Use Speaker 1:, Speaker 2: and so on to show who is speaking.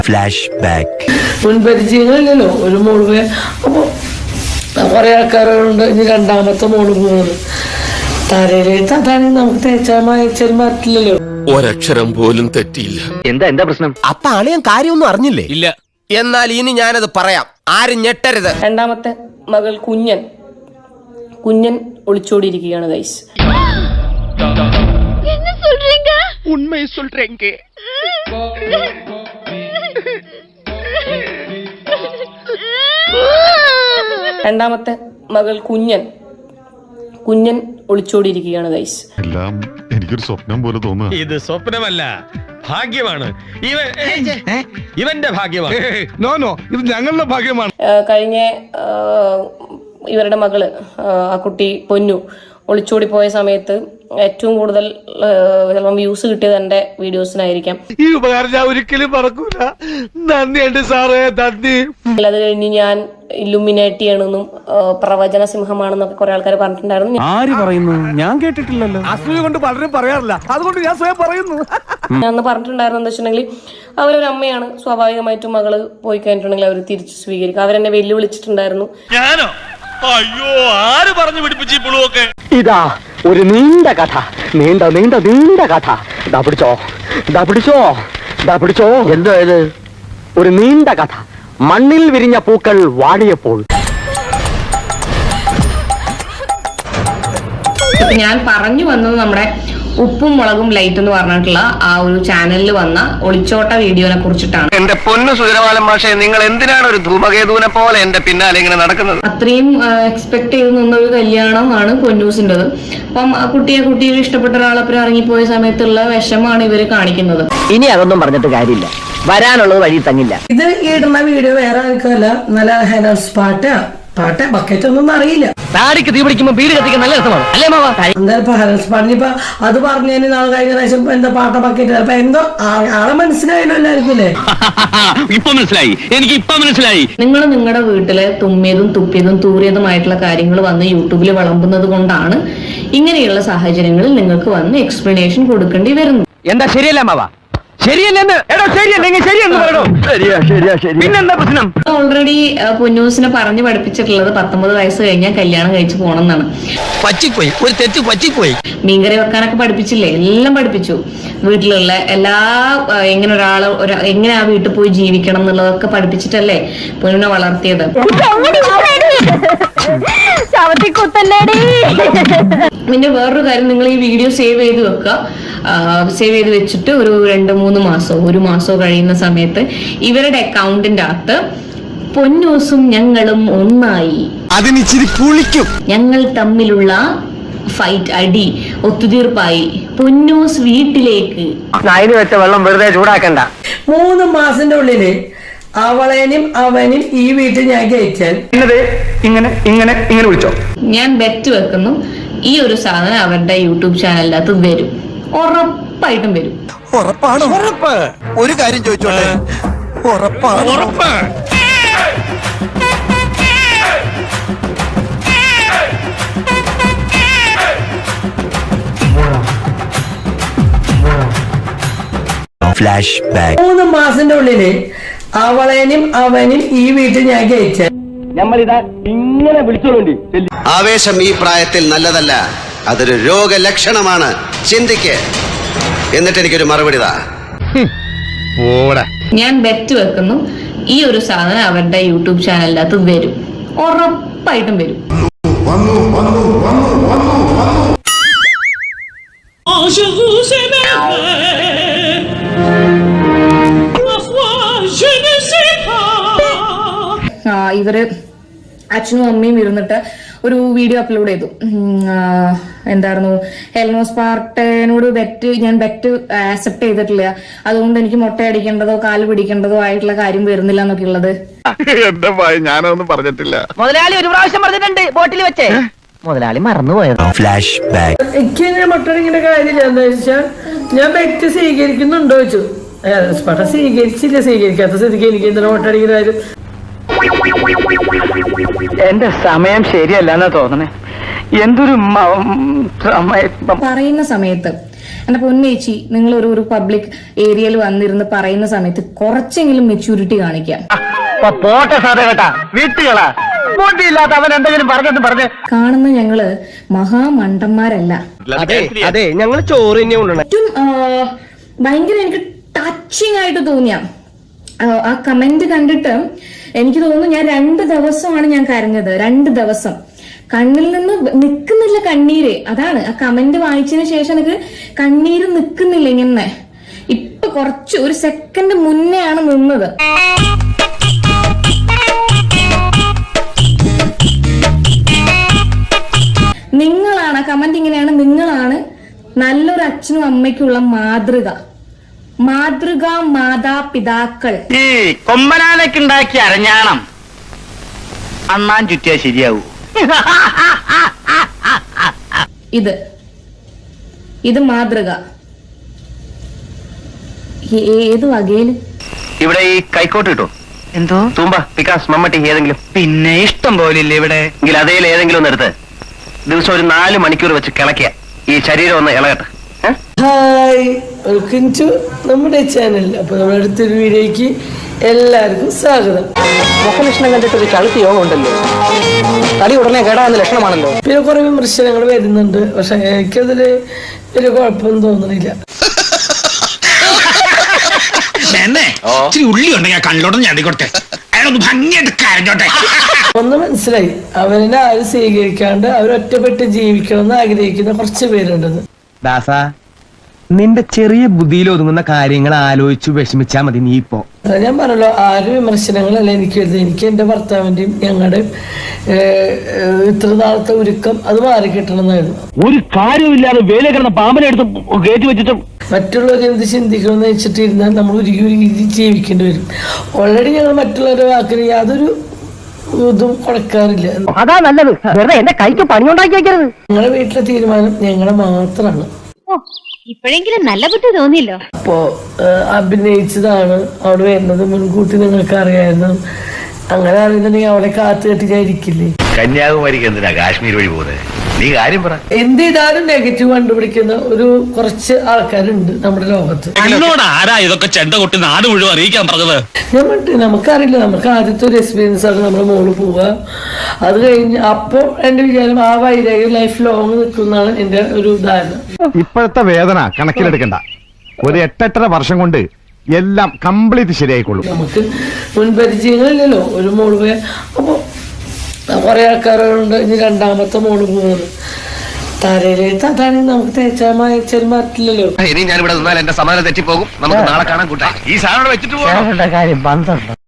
Speaker 1: Flash back.
Speaker 2: മുൻപരിചയങ്ങളില്ലല്ലോ ഒരു മോള് പോയ അപ്പോൾ കുറെ ആൾക്കാരുണ്ട്. ഇനി രണ്ടാമത്തെ മോള് പോകുന്നത് തലയിലേക്ക് അതാണ് നമുക്ക് തേച്ചാൽ മാറ്റില്ലല്ലോ.
Speaker 3: ഒരക്ഷരം പോലും തെറ്റിയില്ല.
Speaker 4: എന്താ പ്രശ്നം?
Speaker 5: അപ്പൊ അളിയൻ കാര്യമൊന്നും അറിഞ്ഞില്ലേ?
Speaker 3: ഇല്ല.
Speaker 5: എന്നാൽ ഇനി ഞാനത് പറയാം, ആരും ഞെട്ടരുത്.
Speaker 6: രണ്ടാമത്തെ മകൾ കുഞ്ഞൻ ഒളിച്ചോടിയിരിക്കുകയാണ് ഗൈസ്. രണ്ടാമത്തെ മകൾ കുഞ്ഞൻ ഒളിച്ചോടിയിരിക്കുകയാണ് ഗൈസ്.
Speaker 7: എല്ലാം എനിക്കൊരു സ്വപ്നം പോലെ തോന്നുക.
Speaker 8: ഇത് സ്വപ്നമല്ല, ഭാഗ്യമാണ്. ഇവന്റെ ഭാഗ്യമാണ്.
Speaker 7: ഇത് ഞങ്ങളുടെ ഭാഗ്യമാണ്.
Speaker 6: കഴിഞ്ഞ ഇവരുടെ മകള് ആ കുട്ടി പൊന്നു ഒളിച്ചോടി പോയ സമയത്ത് ഏറ്റവും കൂടുതൽ ചിലപ്പം വ്യൂസ് കിട്ടിയത് എന്റെ വീഡിയോസിനായിരിക്കാം.
Speaker 8: ഈ ഉപകാരം ഞാൻ ഒരിക്കലും മറക്കൂല. നന്ദിയുണ്ട് സാറേ, നന്ദി.
Speaker 6: അത് കഴിഞ്ഞ് ഞാൻ ഇല്ലുമിനേറ്റിയാണെന്നും പ്രവചന സിംഹമാണെന്നൊക്കെ കുറെ ആൾക്കാർ പറഞ്ഞിട്ടുണ്ടായിരുന്നു.
Speaker 4: ആര് പറയുന്നു? ഞാൻ കേട്ടിട്ടില്ലല്ലോ.
Speaker 8: അസൂയ കൊണ്ട് പലരും പറയാറില്ല, അതുകൊണ്ട് ഞാൻ സ്വയം പറയുന്നു.
Speaker 6: ഞാൻ അന്ന് പറഞ്ഞിട്ടുണ്ടായിരുന്നു എന്താ വെച്ചിട്ടുണ്ടെങ്കിൽ അവരൊരു അമ്മയാണ്, സ്വാഭാവികമായിട്ടും മകള് പോയി കഴിഞ്ഞിട്ടുണ്ടെങ്കിൽ അവർ തിരിച്ചു സ്വീകരിക്കും. അവരെന്നെ വെല്ലുവിളിച്ചിട്ടുണ്ടായിരുന്നു.
Speaker 8: ഞാനോ? അയ്യോ, ആര് പറഞ്ഞു പിടിപ്പിച്ചു ഈ പുളുവൊക്കെ?
Speaker 4: ഇതാ ഒരു നീണ്ട കഥ, നീണ്ട കഥ. പിടിച്ചോ. എന്തോ ഇത്? ഒരു നീണ്ട കഥ. മണ്ണിൽ വിരിഞ്ഞ പൂക്കൾ വാടിയപ്പോൾ.
Speaker 6: ഞാൻ പറഞ്ഞു വന്നത് നമ്മുടെ ഉപ്പും മുളകും ലൈറ്റ് എന്ന് പറഞ്ഞിട്ടുള്ള ആ ഒരു ചാനലിൽ വന്ന ഒളിച്ചോട്ട വീഡിയോനെ കുറിച്ചിട്ടാണ്.
Speaker 4: എന്റെ പൊന്നു സുരവാലം മാഷേ, നിങ്ങൾ എന്തിനാണ് ഒരു ധൂമകേതുവിനെ പോലെ എന്റെ പിന്നാലെ ഇങ്ങനെ നടക്കുന്നത്?
Speaker 6: അത്രയും എക്സ്പെക്ട് ചെയ്ത് നിന്നൊരു കല്യാണമാണ് പൊന്നൂസിൻ്റെത്. അപ്പം ആ കുട്ടിയെ ഇഷ്ടപ്പെട്ട ഒരാളൊപ്പം ഇറങ്ങിപ്പോയ സമയത്തുള്ള വിഷമാണ് ഇവര് കാണിക്കുന്നത്.
Speaker 4: ഇനി അതൊന്നും പറഞ്ഞിട്ട് കാര്യമില്ല, വരാനുള്ളത് വഴി തങ്ങില്ല.
Speaker 2: ഇത് ഇടുന്ന വീഡിയോ വേറെ ആൾക്കല്ല, നല്ല ഹെനസ് പാട്ട് ബക്കറ്റ് ഒന്നും അറിയില്ല.
Speaker 4: താടിക്ക് തീ പിടിക്കുമ്പോ വീട് കത്തിക്കാൻ നല്ല രസമാണ് അല്ലേ മാവാ?
Speaker 2: എന്തായാലും ഹെനസ് പാട്ടിനിപ്പോ അത് പറഞ്ഞതിന് നാളെ കഴിഞ്ഞ പ്രാവശ്യം എന്താ പാട്ട ബക്കറ്റ് അപ്പൊ എന്തോ ആളെ മനസ്സിലായല്ലോ എല്ലാവർക്കും അല്ലേ?
Speaker 4: എനിക്ക് ഇപ്പൊ മനസ്സിലായി.
Speaker 6: നിങ്ങൾ നിങ്ങളുടെ വീട്ടിലെ തുമ്മിയതും തുപ്പിയതും തൂറിയതുമായിട്ടുള്ള കാര്യങ്ങൾ വന്ന് യൂട്യൂബിൽ വിളമ്പുന്നത് കൊണ്ടാണ് ഇങ്ങനെയുള്ള സാഹചര്യങ്ങളിൽ നിങ്ങൾക്ക് വന്ന് എക്സ്പ്ലനേഷൻ കൊടുക്കേണ്ടി വരുന്നത്.
Speaker 4: എന്താ ശരിയല്ല മാവാ? ശരിയല്ലെന്ന് പിന്നെന്താ പ്രശ്നം?
Speaker 6: ഓൾറെഡി പൊന്നൂസിനെ പറഞ്ഞു പഠിപ്പിച്ചിട്ടുള്ളത് 19 വയസ്സ് കഴിഞ്ഞാൽ കല്യാണം കഴിച്ചു പോകണം എന്നാണ്.
Speaker 4: പറ്റിപ്പോയി.
Speaker 6: മീൻകറി വെക്കാനൊക്കെ പഠിപ്പിച്ചില്ലേ? എല്ലാം പഠിപ്പിച്ചു. വീട്ടിലുള്ള എല്ലാ എങ്ങനെ ആ വീട്ടിൽ പോയി ജീവിക്കണം എന്നുള്ളതൊക്കെ പഠിപ്പിച്ചിട്ടല്ലേ പൊന്നുനെ വളർത്തിയത്. പിന്നെ വേറൊരു കാര്യം, നിങ്ങൾ ഈ വീഡിയോ സേവ് ചെയ്ത് വെക്കുക. സേവ് ചെയ്ത് വെച്ചിട്ട് ഒരു 2-3 മാസമോ 1 മാസമോ കഴിയുന്ന സമയത്ത് ഇവരുടെ അക്കൗണ്ടിന്റെ അകത്ത് പൊന്നൂസും ഞങ്ങളും ഒന്നായി,
Speaker 5: അതിനിച്ചിരി പുളിക്കും,
Speaker 6: ഞങ്ങൾ തമ്മിലുള്ള ഫൈറ്റ് അടി ഒത്തുതീർപ്പായി, പൊന്നൂസ് വീട്ടിലേക്ക്
Speaker 4: അതിന് വെച്ച വെള്ളം വെറുതെ ചൂടാക്കണ്ട.
Speaker 2: 3 മാസത്തിന്റെ ഉള്ളില് അവളേനും അവനും ഈ വീട്ടിൽ ഞാൻ കയറ്റാൻ
Speaker 4: ഇങ്ങനെ വിളിച്ചോ.
Speaker 6: ഞാൻ ബെറ്റ് വെക്കുന്നു ഈ ഒരു സാധനം അവരുടെ യൂട്യൂബ് ചാനലിന്റെ അകത്ത് വരും, ഉറപ്പായിട്ടും വരും.
Speaker 5: ഉറപ്പ്. ഒരു കാര്യം ചോദിച്ചോട്ടെ,
Speaker 8: ഉറപ്പ്.
Speaker 1: Flash back.
Speaker 2: 3 മാസത്തിന്റെ ഉള്ളില് അവളേനും അവനും ഈ വീട്ടിൽ ഞാൻ കയറ്റാൻ.
Speaker 4: നമ്മളിതാ ഇങ്ങനെ വിളിച്ചോണ്ടി.
Speaker 9: ആവേശം ഈ പ്രായത്തിൽ നല്ലതല്ല, അതൊരു രോഗലക്ഷണമാണ്. ചിന്തിക്ക്, എന്നിട്ട് എനിക്കൊരു മറുപടി താ.
Speaker 6: ഞാൻ ബെറ്റ് വെക്കുന്നു ഈ ഒരു സാധനം അവരുടെ യൂട്യൂബ് ചാനലിന്റെ അകത്ത് വരും, ഉറപ്പായിട്ടും വരും. ഇവര് അച്ഛനും അമ്മയും ഇരുന്നിട്ട് ഒരു വീഡിയോ അപ്ലോഡ് ചെയ്തു. എന്തായിരുന്നു, ഹെലനോസ് പാർട്ടനോട് ഞാൻ ബെറ്റ് ആക്സെപ്റ്റ് ചെയ്തിട്ടില്ല, അതുകൊണ്ട് എനിക്ക് മുട്ടയടിക്കേണ്ടതോ കാല് പിടിക്കേണ്ടതോ ആയിട്ടുള്ള കാര്യം വരുന്നില്ല എന്നൊക്കെ ഉള്ളത്.
Speaker 7: എന്റെ ഞാനൊന്നും പറഞ്ഞിട്ടില്ല.
Speaker 4: മുതലാളി ഒരു പ്രാവശ്യം പറഞ്ഞിട്ടുണ്ട് ബോട്ടിൽ വെച്ചേ, മുതലാളി മറന്നുപോയത്.
Speaker 1: Flash back.
Speaker 2: എനിക്ക് മുട്ടടിക്കേണ്ട കാര്യമില്ല. എന്താ വെച്ചാൽ ഞാൻ ബെറ്റ് സ്വീകരിക്കുന്നുണ്ടോ ചോദിച്ചു. പാട്ട സ്വീകരിക്കാത്ത സ്ഥിതിക്ക് എനിക്ക് എന്തിനാ മുട്ടടിക്കുന്ന കാര്യം?
Speaker 4: എന്റെ സമയം ശരിയല്ലെന്നാ തോന്നണേ. എന്തൊരു
Speaker 6: പറയുന്ന സമയത്ത് എന്റെ പൊന്നേച്ചി, നിങ്ങൾ ഒരു പബ്ലിക് ഏരിയയിൽ വന്നിരുന്ന് പറയുന്ന സമയത്ത് കുറച്ചെങ്കിലും മെച്യൂരിറ്റി കാണിക്കാം.
Speaker 4: പോട്ടെ സാറേ കേട്ടാ, വീട്ടുകളാ ബോട്ടിയില്ലാത്ത അവൻ എന്തെങ്കിലും പറഞ്ഞെന്ന് പറഞ്ഞ്
Speaker 6: കാണുന്ന ഞങ്ങള് മഹാമണ്ടന്മാരല്ല.
Speaker 4: അതെ ഞങ്ങൾ ചോറ് തന്നെ കൊണ്ടുവന്നെ.
Speaker 6: ഏറ്റവും ഭയങ്കര എനിക്ക് ടച്ചിങ് ആയിട്ട് തോന്നിയ ആ കമന്റ് കണ്ടിട്ട് എനിക്ക് തോന്നുന്നു ഞാൻ 2 ദിവസമാണ് ഞാൻ കരഞ്ഞത്. 2 ദിവസം കണ്ണിൽ നിന്ന് നിൽക്കുന്നില്ല കണ്ണീര്. അതാണ് ആ കമന്റ് വായിച്ചതിന് ശേഷം എനിക്ക് കണ്ണീര് നിൽക്കുന്നില്ല ഇങ്ങനെ. ഇപ്പൊ കുറച്ച് ഒരു സെക്കൻഡ് മുന്നേ ആണ് നിന്നത്. നിങ്ങളാണ് ആ കമന്റ് ഇങ്ങനെയാണ്, നിങ്ങളാണ് നല്ലൊരു അച്ഛനും അമ്മയ്ക്കുള്ള മാതൃക മാതാപിതാക്കൾ.
Speaker 4: ഈ കൊമ്പനാനൊക്കെ അരഞ്ഞാണം അണ്ണാൻ ചുറ്റിയാ ശരിയാവൂ.
Speaker 6: ഇത് മാതൃക ഏത് വകയില്?
Speaker 4: ഇവിടെ ഈ കൈക്കോട്ട് കിട്ടോ? എന്തോ തൂമ്പ, പിക്കാസ്, മമ്മട്ടി ഏതെങ്കിലും? പിന്നെ ഇഷ്ടം പോലില്ലേ ഇവിടെ. എങ്കിൽ അതേൽ ഏതെങ്കിലും ഒന്ന് എടുത്ത് ദിവസം ഒരു 4 മണിക്കൂർ വെച്ച് കിളക്കിയ ഈ ശരീരം ഒന്ന് ഇളകട്ടെ.
Speaker 2: ഹായ്, വെൽക്കം ടു നമ്മുടെ ചാനൽ. അപ്പൊ നമ്മുടെ അടുത്തൊരു വീഡിയോയ്ക്ക് എല്ലാവർക്കും സ്വാഗതം.
Speaker 4: മുഖലക്ഷണം കണ്ടിട്ട് ഒരു ചളുത്തി യോഗം ഉണ്ടല്ലോ, തടി ഉടനെ കേടാവുന്ന ലക്ഷണമാണല്ലോ.
Speaker 2: പിന്നെ കുറെ വിമർശനങ്ങൾ വരുന്നുണ്ട്, പക്ഷെ എനിക്കതില് ഒരു കുഴപ്പമൊന്നും തോന്നുന്നില്ല.
Speaker 8: ഉള്ളി ഉണ്ടെങ്കിൽ കണ്ണോട്ട് ഞാടിക്കോട്ടെ, അയാളൊന്ന് ഭംഗിയായിട്ട് കരഞ്ഞോട്ടെ.
Speaker 2: ഒന്ന് മനസ്സിലായി, അവനെ ആരും സ്വീകരിക്കാണ്ട് അവരൊറ്റപ്പെട്ട് ജീവിക്കണമെന്ന് ആഗ്രഹിക്കുന്ന കുറച്ച് പേരുണ്ടെന്ന്.
Speaker 5: ദാസ, നിന്റെ ചെറിയ ബുദ്ധിയിൽ ഒതുങ്ങുന്ന കാര്യങ്ങൾ ആലോചിച്ചു വിഷമിച്ചാ മതി. നീ ഇപ്പോ
Speaker 2: ഞാൻ പറഞ്ഞല്ലോ, ആരും വിമർശനങ്ങളല്ല എനിക്ക് എഴുതി. എനിക്ക് എന്റെ ഭർത്താവിന്റെയും ഞങ്ങളുടെയും ഇത്ര നാളത്തെ ഒരുക്കം അത് മാറി കിട്ടണമെന്നായിരുന്നു.
Speaker 4: ഒരു കാര്യമില്ലാതെ വേല കിടന്ന പാമ്പനെ എടുത്ത് കയറ്റി വെച്ചിട്ടും
Speaker 2: മറ്റുള്ളവർ എന്ത് ചിന്തിക്കണമെന്ന് വെച്ചിട്ടിരുന്നാൽ നമ്മൾ ഒരുക്കി ജീവിക്കേണ്ടി വരും. ഓൾറെഡി ഞങ്ങൾ മറ്റുള്ളവരുടെ വാക്കിന് യാതൊരു ഇതും കൊടുക്കാറില്ല.
Speaker 4: അതാ നല്ലത്, വെറുതെ എന്റെ കൈക്ക് പണിയുണ്ടാക്കി വെക്കരുത്.
Speaker 2: ഞങ്ങളുടെ വീട്ടിലെ തീരുമാനം ഞങ്ങളുടെ മാത്രമാണ്.
Speaker 10: ഇപ്പോഴെങ്കിലും നല്ല ബുദ്ധി തോന്നിയല്ലോ.
Speaker 2: അപ്പോ അഭിനയിച്ചതാണ് അവിടെ വരുന്നത് മുൻകൂട്ടി നിങ്ങൾക്ക് അറിയായിരുന്നു. അങ്ങനെ അറിയുന്നുണ്ടെങ്കിൽ അവളെ കാത്തു കെട്ടിച്ചായിരിക്കില്ലേ.
Speaker 7: കന്യാകുമാരിക്ക് എന്തിനാ കാശ്മീർ വഴി പോകുന്നത്? നീ കാര്യം പറ.
Speaker 2: എന്ത് ചെയ്താലും നെഗറ്റീവ് കണ്ടുപിടിക്കുന്ന ഒരു കുറച്ച് ആൾക്കാരുണ്ട് നമ്മുടെ ലോകത്ത്.
Speaker 8: ആരാ ഇതൊക്കെ ചെണ്ട കൊട്ടി നാട് മുഴുവൻ അറിയിക്കാൻ പറഞ്ഞത്?
Speaker 2: ഞാൻ പറഞ്ഞിട്ട് നമുക്കറിയില്ല, നമുക്ക് ആദ്യത്തെ ഒരു എക്സ്പീരിയൻസ് ആണ് നമ്മുടെ മോള് പോവുക. അത് കഴിഞ്ഞ് അപ്പോൾ എന്റെ വിചാരം ആ വൈരാഗ്യം ലൈഫ് ലോങ് നിൽക്കുന്നതാണ് എന്റെ ഒരു ധാരണ.
Speaker 7: ഇപ്പോഴത്തെ വേദന കണക്കിലെടുക്കണ്ട. ഒരു 8-8.5 വർഷം കൊണ്ട് എല്ലാം കംപ്ലീറ്റ് ശരിയായിക്കൊള്ളും.
Speaker 2: നമുക്ക് മുൻപരിചയങ്ങളില്ലല്ലോ. ഒരു മോള് പോയ അപ്പൊ കുറെ ആൾക്കാരുണ്ട് ഇനി 2ാമത്തെ മോള് പോകുന്നത്. തലയിലേക്ക് അതാണെങ്കിൽ നമുക്ക് തേച്ചാൽ മാറ്റില്ലല്ലോ.
Speaker 5: ഇനി ഞാൻ ഇവിടെ നിന്നാൽ എന്റെ സമാധാനം തെറ്റിപ്പോകും. നമുക്ക് നാളെ കാണാൻ കൂട്ടാ.
Speaker 7: ഈ സാധനം വെച്ചിട്ട്
Speaker 4: കാര്യം 12